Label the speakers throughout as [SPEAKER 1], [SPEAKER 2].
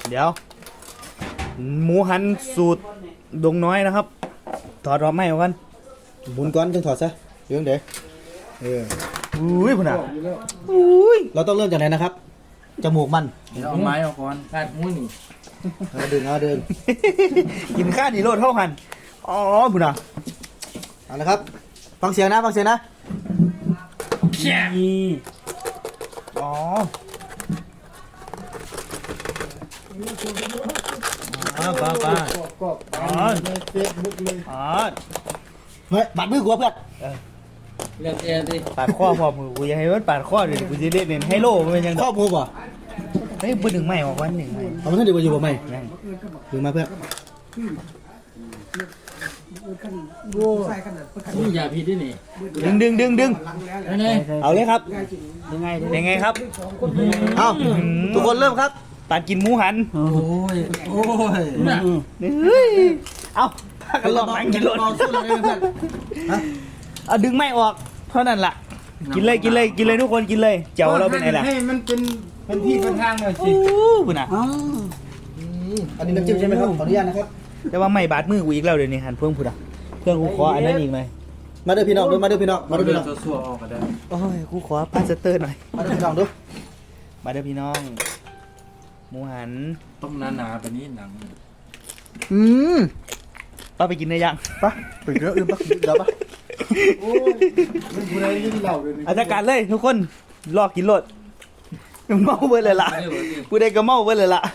[SPEAKER 1] เดี๋ยวหมูหันสูตรดงน้อยนะครับถอดรอบไม้ออกกันหมุนก้อนจึงถอดซะเรื่องเดี๋ยวอุ้ยพุ่นอ่ะอุ้ยเราต้องเริ่มจากไหนนะครับจมูกมัน
[SPEAKER 2] เอาไม้ออกก่อนคาดมุ้ยนี่
[SPEAKER 1] เดิน กินข้าวนี่โลดเท่ากันอ๋อพุ่นอ่ะเอาละครับฟังเสียงนะอ๋อป้า
[SPEAKER 3] ในเฟซบุ๊กเลย
[SPEAKER 1] เฮ้ยบาดมือกูเพื่อน
[SPEAKER 2] เรียกเองดิ
[SPEAKER 1] ปาดข้อพอมือกูยังให้มันปาดข้อเลยกูจะเล่นเน้นไฮโลมันเป็นยังข้อมือป่ะเฮ้ยปืนหนึ่งไม้ออกวันหนึ่งไม้เอามาท่านเดียวอยู่บ่ไม่ดึงมาเพื่อน
[SPEAKER 2] นี่อย่าผิดดินี่
[SPEAKER 1] ดึงเอาเลยครับยังไงครับเอาทุกคนเริ่มครับปาดกินหมูหัน
[SPEAKER 2] โอ้ย
[SPEAKER 1] เอาถ้ากันลองนั่งกินรถเอาดึงไม่ออกเท่านั้นล่ะกินเลยทุกคนกินเลยเจ้าเราเป็นไงล่ะ
[SPEAKER 3] ให้มันเป็นที่เป็นทางหน่อยสิ
[SPEAKER 1] คุณอ่ะอันนี้น้ำจิ้มใช่ไหมครับขออนุญาตนะครับแต่ว่าไม่บาดมือกูอีกแล้วเดี๋ยวนี้หันเพิ่งพูดอ่ะเพื่อนกูขออันนั้นอีกไหมมาเด้อพี่น้องมาเด้อพี่น้อง
[SPEAKER 2] ซัวออกก็ได้
[SPEAKER 1] โอ้ยกูขอพาสเตอร์หน่อยมาเด้อพี่น้องดูมาเด้อพี่น้องหมูหัน
[SPEAKER 2] ต้มหนาๆแบบนี้หนัง
[SPEAKER 1] ป้าไปกินได้ยังป้าไปเยอะป้าเดี๋ยวป้า
[SPEAKER 3] โอ้ยมันบุไรที่เราเลย
[SPEAKER 1] อาจารย์การเลยทุกคนรอกินรถเมาเบิดเลยล่ะกูได้ก็เมาเบิดเลยล่ะ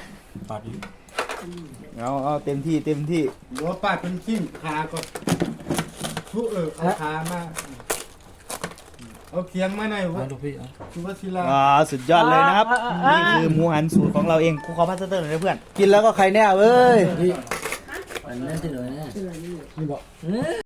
[SPEAKER 1] เอาเต็มที่
[SPEAKER 3] หัวป้าเป็นขิ้งขาก็ทุเอาขามาเอาเคียงมาหน่อยวะคุณวัชิรา
[SPEAKER 1] สุดยอดเลยนะครับนี่คือหมูหันสูตรของเราเองกูขอพาสเตอร์หน่อยเพื่อนกินแล้วก็ใครแน่เว้ย
[SPEAKER 2] อันนั้นที่ไหนนี่บอก